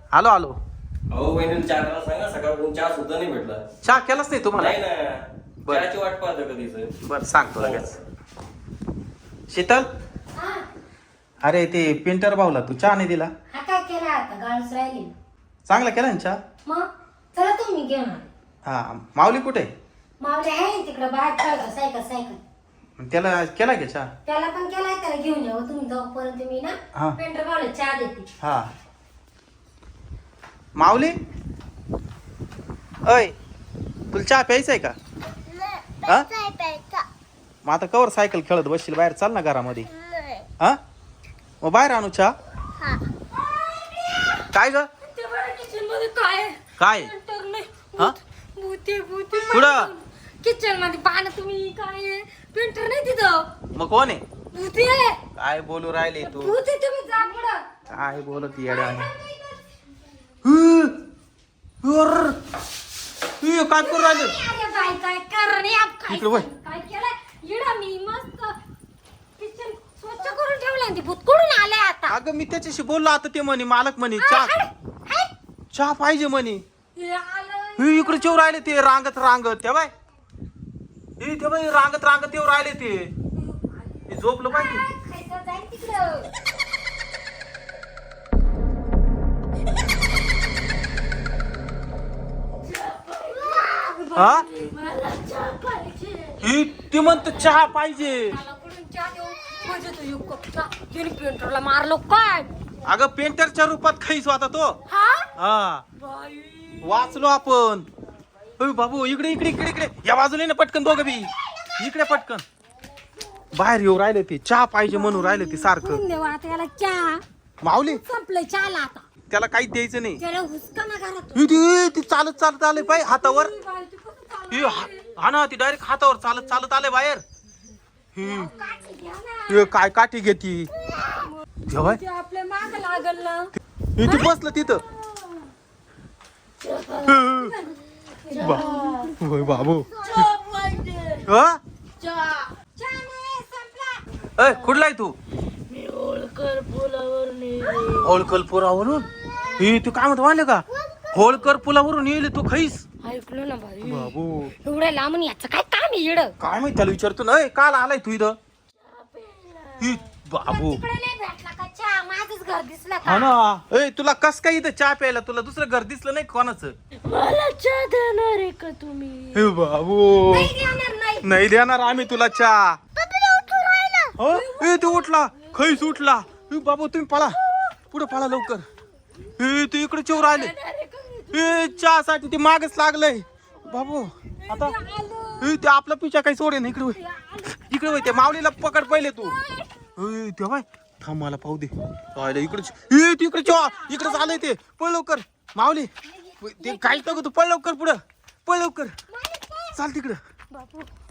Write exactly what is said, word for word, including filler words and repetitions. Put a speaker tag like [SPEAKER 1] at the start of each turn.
[SPEAKER 1] आलो आलो.
[SPEAKER 2] अहो वहिनी चहा करायला सांगा, सकाळपासून चहा सुद्धा नाही भेटला.
[SPEAKER 1] चहा केलाच नाही तुम्हाला?
[SPEAKER 2] नाही ना,
[SPEAKER 1] बरं.
[SPEAKER 2] चहाची वाट पाहतो कधीच.
[SPEAKER 1] बर सांगतो लगेच. शीतल, अरे ते पेंटर भाऊला तू चहा नाही दिला?
[SPEAKER 3] हा काय केला आता गाळूच राहिली.
[SPEAKER 1] चांगला केला ना चहा?
[SPEAKER 3] मग चला तुम्ही घेऊन आले.
[SPEAKER 1] हा. माऊली कुठे?
[SPEAKER 3] मावले आहे तिकडे बाहेर खेळतो सायकल सायकल.
[SPEAKER 1] त्याला केला का चहा?
[SPEAKER 3] त्याला पण केलाय, त्याला घेऊन यावं तुम्ही जाऊपर्यंत मी
[SPEAKER 1] हा.
[SPEAKER 3] ना पेंटर भाऊला चहा देते.
[SPEAKER 1] हा. माऊली, अय तुला चहा प्यायचा आहे का? हा? मग आता कवर सायकल खेळत बसशील बाहेर, चाल ना घरामध्ये. हा मग बाहेर आणू चहा. काय ग
[SPEAKER 3] किचन मध्ये काय
[SPEAKER 1] काय? हा?
[SPEAKER 3] भूते भूते
[SPEAKER 1] कुठं?
[SPEAKER 3] किचन मध्ये पाहणं तुम्ही काय पेंटर नाही तिथं.
[SPEAKER 1] मग कोण आहे?
[SPEAKER 3] भूते आहे.
[SPEAKER 1] काय बोलू राहिले तू?
[SPEAKER 3] भूते तुम्ही जा पुढं.
[SPEAKER 1] काय बोलत येड्या? काय करू राहिले?
[SPEAKER 3] अरे बाई काय करणे आप काय
[SPEAKER 1] इकडे वळ.
[SPEAKER 3] काय केलं इडा मी मस्त किचन स्वच्छ करून ठेवलं आणि ते भूत कुठून आले आता.
[SPEAKER 1] अगं मी त्याच्याशी बोललो आता, ते म्हणे मालक म्हणे चहा चहा पाहिजे म्हणे.
[SPEAKER 3] हे आलं.
[SPEAKER 1] हे इकडे चेव राहिले ते रांगत रांगत त्या बाय. हे ते बाई रांगत रांगत येऊ राहिले ते. हे झोपलं पाहिजे.
[SPEAKER 3] खायचं जाईल तिकडं.
[SPEAKER 1] हा
[SPEAKER 3] मला चहा पाहिजे.
[SPEAKER 1] ही ती म्हणत चहा पाहिजे.
[SPEAKER 3] मला कुठून चहा देऊ म्हणजे तू एक कप चहा तिने पेंटरला मारलो काय.
[SPEAKER 1] अगं पेंटरच्या रूपात खाईस होता तो.
[SPEAKER 3] हा
[SPEAKER 1] हा
[SPEAKER 3] बाई
[SPEAKER 1] वाचलो आपण. अय बाबू इकडे इकडे इकडे इकडे या बाजूला ना पटकन दोघं बी इकडे पटकन. बाहेर येऊ राहिले ते चहा पाहिजे म्हणून राहिले ते सारखं.
[SPEAKER 3] कोण देवा आता याला चहा
[SPEAKER 1] माऊली
[SPEAKER 3] संपलंय चहाला आता.
[SPEAKER 1] त्याला काहीच द्यायचं नाही.
[SPEAKER 3] त्याला हुसका ना घरात.
[SPEAKER 1] ही ती ती चालत चालत आले पाय हातावर.
[SPEAKER 3] बाई, ते कसं चाललं?
[SPEAKER 1] ही हा हा ना ती डायरेक्ट हातावर चालत चालत आले बाहेर. ही
[SPEAKER 3] काठी घ्या ना.
[SPEAKER 1] हे काय काठी घेती जेवाय.
[SPEAKER 3] ते आपल्या माग लागल ना.
[SPEAKER 1] हे ती बसलं तिथं. बा- होय बाबू.
[SPEAKER 3] चहा पाहिजे.
[SPEAKER 1] हा
[SPEAKER 3] चहा. चहा नाही संपला.
[SPEAKER 1] अय कुठलाय तू?
[SPEAKER 3] मी होळकर पुलावरून येते.
[SPEAKER 1] होळकर पुलावरून? हे तू काय म्हणतो मानले का? होळकर पुलावरून येईल तू खाईस?
[SPEAKER 3] ऐकलो ना भाई.
[SPEAKER 1] बाबू
[SPEAKER 3] एवढ्या लांबून याचं काय काम आहे इड.
[SPEAKER 1] काय माहित त्याला विचारतो ना. काल आलाय तू इथं? ही बाबू
[SPEAKER 3] तिकडे नाही भेटला का चहा माझंच घर दिसलं
[SPEAKER 1] हा
[SPEAKER 3] का.
[SPEAKER 1] ना. ए तुला कस काय इथं चहा प्यायला? तुला दुसरं घर दिसलं नाही कोणाचं?
[SPEAKER 3] मला चहा देणार आहे का तुम्ही.
[SPEAKER 1] हे बाबू
[SPEAKER 3] नाही देणार नाही.
[SPEAKER 1] नाही देणार आम्ही तुला चहा. हो ए तू उठला खैस उठला. ए बाबू तुम्ही पळा पुढे पळा लवकर. ए तू इकडे चोर आले. ए चहा साठी ते मागच लागलंय बाबू. आता ए ते आपला पिछा काही सोडे ना. इकडे वळ. इकडे वळ. ते माऊलीला पकड पहिले तू. ए ते बाय थांब मला पाहू दे. आयला इकडे ए तू इकडे चो इकडे झालंय ते. पळ लवकर माऊली. ते काहीच नको तू पळ लवकर पुढं पळ लवकर. चाल तिकडं.
[SPEAKER 3] बापू